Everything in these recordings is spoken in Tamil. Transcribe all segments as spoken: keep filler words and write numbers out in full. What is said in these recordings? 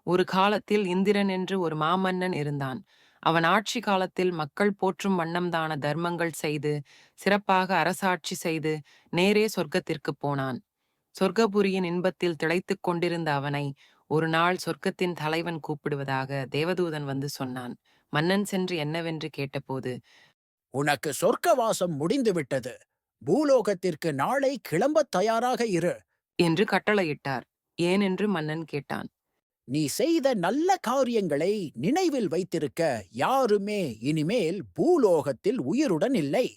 ஒரு காலத்தில் இந்திரன் என்று ஒரு மாமன்னன் இருந்தான். அவன் ஆட்சி காலத்தில் மக்கள் போற்றும் வண்ணம்தான தர்மங்கள் செய்து, சிறப்பாக அரசாட்சி செய்து, நேரே சொர்க்கத்திற்குப் போனான். சொர்க்கபுரியின் இன்பத்தில் திளைத்துக் கொண்டிருந்த அவனை, ஒரு நாள் சொர்க்கத்தின் தலைவன் கூப்பிடுவதாக தேவதூதன் வந்து சொன்னான். மன்னன் சென்று என்னவென்று கேட்டபோது, உனக்கு சொர்க்கவாசம் முடிந்துவிட்டது. பூலோகத்திற்கு நாளை கிளம்பத் தயாராக இரு. என்று கட்டளையிட்டார். ஏன் என்று மன்னன் கேட்டான். நீ செய்த நல்ல காரியங்களை நினைவில் வைத்திருக்க யாருமே இனிமேல் பூலோகத்தில் உயிருடன் இல்லை.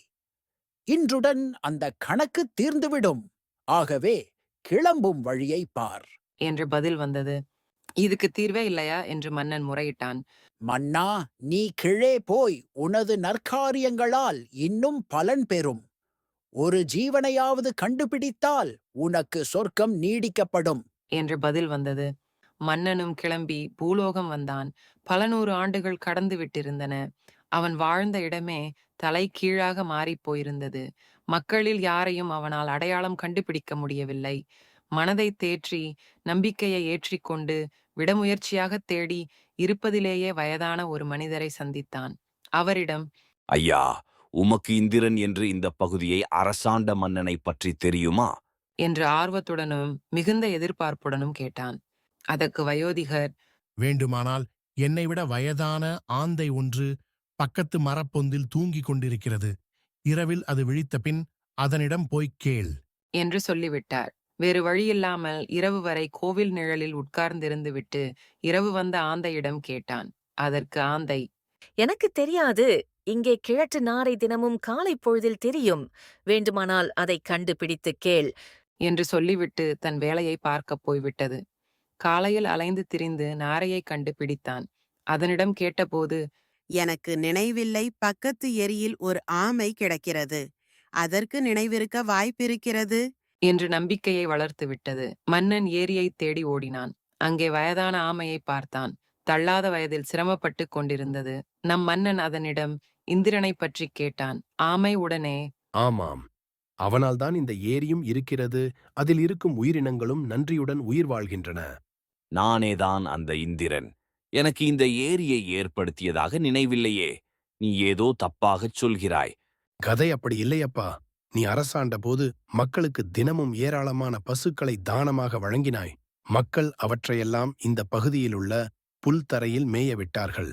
இன்றுடன் அந்த கணக்கு தீர்ந்துவிடும். ஆகவே கிளம்பும் வழியை பார். என்று பதில் வந்தது. இதுக்கு தீர்வே இல்லையா என்று மன்னன் முறையிட்டான். மன்னா, நீ கீழே போய் உனது நற்காரியங்களால் இன்னும் பலன் பெறும். ஒரு ஜீவனையாவது கண்டுபிடித்தால் உனக்கு சொர்க்கம் நீடிக்கப்படும். என்று பதில் வந்தது. மன்னனும் கிளம்பி பூலோகம் வந்தான். பல நூறு ஆண்டுகள் கடந்து விட்டிருந்தன. அவன் வாழ்ந்த இடமே தலை கீழாக மாறிப் போயிருந்தது. மக்களில் யாரையும் அவனால் அடையாளம் கண்டுபிடிக்க முடியவில்லை. மனதைத் தேற்றி, நம்பிக்கையை ஏற்றிக்கொண்டு, விடமுயற்சியாகத் தேடி, இருப்பதிலேயே வயதான ஒரு மனிதரை சந்தித்தான். அவரிடம், ஐயா, உமக்கு இந்திரன் என்று இந்த பகுதியை அரசாண்ட மன்னனை பற்றி தெரியுமா? என்று ஆர்வத்துடனும் மிகுந்த எதிர்பார்ப்புடனும் கேட்டான். அதற்கு வயோதிகர், வேண்டுமானால் என்னை விட வயதான ஆந்தை ஒன்று பக்கத்து மரப்பொந்தில் தூங்கிக் கொண்டிருக்கிறது. இரவில் அது விழித்த பின் அதனிடம் போய்க் கேள். என்று சொல்லிவிட்டார். வேறு வழியில்லாமல் இரவு வரை கோவில் நிழலில் உட்கார்ந்திருந்து விட்டு இரவு வந்த ஆந்தையிடம் கேட்டான். அதற்கு ஆந்தை, எனக்கு தெரியாது. இங்கே கிழட்டு நாரை தினமும் காலை பொழுதில் தெரியும். வேண்டுமானால் அதைக் கண்டுபிடித்துக் கேள். என்று சொல்லிவிட்டு தன் வேலையை பார்க்கப் போய்விட்டது. காலையில் அலைந்து திரிந்து நாரையைக் கண்டு பிடித்தான். அதனிடம் கேட்டபோது, எனக்கு நினைவில்லை. பக்கத்து ஏரியில் ஒரு ஆமை கிடக்கிறது. அதற்கு நினைவிருக்க வாய்ப்பிருக்கிறது. என்று நம்பிக்கையை வளர்த்து விட்டது. மன்னன் ஏரியைத் தேடி ஓடினான். அங்கே வயதான ஆமையை பார்த்தான். தள்ளாத வயதில் சிரமப்பட்டு கொண்டிருந்தது. நம் மன்னன் அதனிடம் இந்திரனைப் பற்றிக் கேட்டான். ஆமை உடனே, ஆமாம், அவனால்தான் இந்த ஏரியும் இருக்கிறது. அதில் இருக்கும் உயிரினங்களும் நன்றியுடன் உயிர் வாழ்கின்றன. நானேதான் அந்த இந்திரன். எனக்கு இந்த ஏரியை ஏற்படுத்தியதாக நினைவில்லையே. நீ ஏதோ தப்பாகச் சொல்கிறாய். கதை அப்படி இல்லையப்பா. நீ அரசாண்ட போது மக்களுக்கு தினமும் ஏராளமான பசுக்களை தானமாக வழங்கினாய். மக்கள் அவற்றையெல்லாம் இந்த பகுதியிலுள்ள புல்தரையில் மேய விட்டார்கள்.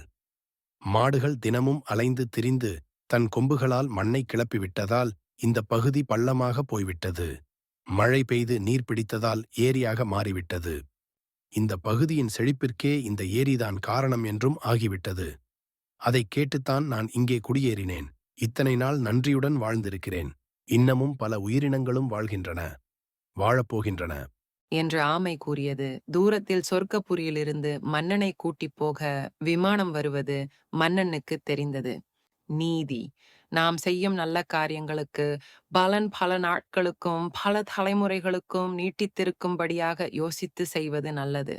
மாடுகள் தினமும் அலைந்து திரிந்து தன் கொம்புகளால் மண்ணை கிளப்பிவிட்டதால் இந்த பகுதி பள்ளமாக போய்விட்டது. மழை பெய்து நீர் பிடித்ததால் ஏரியாக மாறிவிட்டது. இந்த பகுதியின் செழிப்பிற்கே இந்த ஏரிதான் காரணம் என்றும் ஆகிவிட்டது. அதைக் கேட்டுத்தான் நான் இங்கே குடியேறினேன். இத்தனை நாள் நன்றியுடன் வாழ்ந்திருக்கிறேன். இன்னமும் பல உயிரினங்களும் வாழ்கின்றன, வாழப்போகின்றன. என்று ஆமை கூறியது. தூரத்தில் சொர்க்கபுரியிலிருந்து மன்னனை கூட்டிப் போக விமானம் வருவது மன்னனுக்குத் தெரிந்தது. நீதி. நாம் செய்யும் நல்ல காரியங்களுக்கு பலன் பல நாட்களுக்கும் பல தலைமுறைகளுக்கும் நீட்டித்திருக்கும்படியாக யோசித்து செய்வது நல்லது.